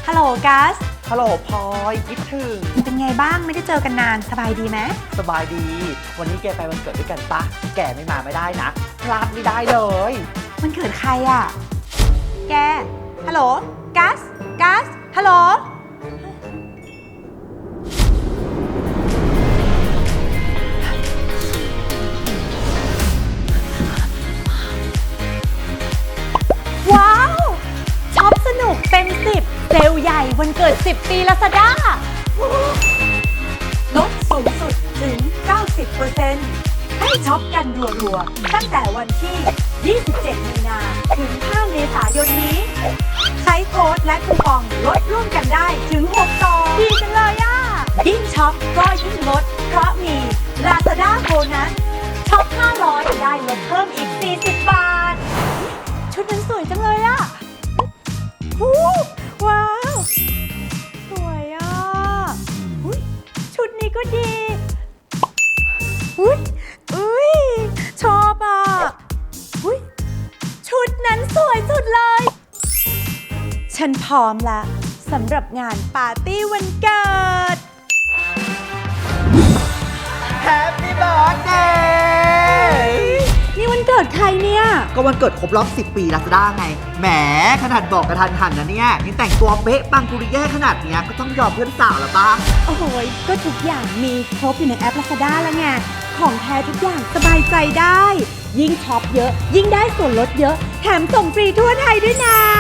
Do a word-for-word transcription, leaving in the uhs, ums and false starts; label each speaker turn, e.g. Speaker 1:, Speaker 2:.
Speaker 1: ฮัลโหลกัส
Speaker 2: ฮัลโหลพลอยคิดถึง
Speaker 1: เป็นไงบ้างไม่ได้เจอกันนานสบายดีไหม
Speaker 2: สบายดีวันนี้แกไปวันเกิดด้วยกันปะแกไม่มาไม่ได้นะพลาดไม่ได้เลย
Speaker 1: มันเกิดใครอ่ะแกฮัลโหลกัสกัสฮัลโหลว้าวช็อปสนุกเต็มสิบเซลล์ใหญ่วันเกิดสิบปีลาซาด้าลดสูงสุดถึง เก้าสิบเปอร์เซ็นต์ ให้ช็อปกันรัวๆตั้งแต่วันที่ ยี่สิบเจ็ด มีนาถึง ห้า เมษายนนี้ ใช้โค้ดและคูปองลดร่วมกันได้ถึง หก ต่อ ดีจังเลยอ่ะ ยิ่งช็อปก็ยิ่งลด เพราะมี Lazada โบนัสช็อป ห้าร้อย ได้ลดเพิ่มอีก สี่สิบบาท ชุดนั้นสวยจังเลยอ่ะฮู้ว้าว สวยอ่ะอุ๊ยชุดนี้ก็ดีอุ้ยอุ้ยชอบอ่ะอุ้ยชุดนั้นสวยสุดเลย ฉันพร้อมแล้วสำหรับงานปาร์ตี้วันเกิด
Speaker 2: Happy Birthday
Speaker 1: นี่วันเกิดใครเนี่ย
Speaker 2: ก็วันเกิดครบรอบสิบปีลาซาด้าไงแหมขนาดบอกกระทันหันนะเนี่ยนี่แต่งตัวเป๊ะปังกุริแย่ขนาดเนี้ยก็ต้องยอมเพื่อนสาวแล้วปะ
Speaker 1: โอ้โหก็ทุกอย่างมีครบอยู่ในแอป Lazada แล้วไงของแท้ทุกอย่างสบายใจได้ยิ่งช็อปเยอะยิ่งได้ส่วนลดเยอะแถมส่งฟรีทั่วไทยด้วยนะ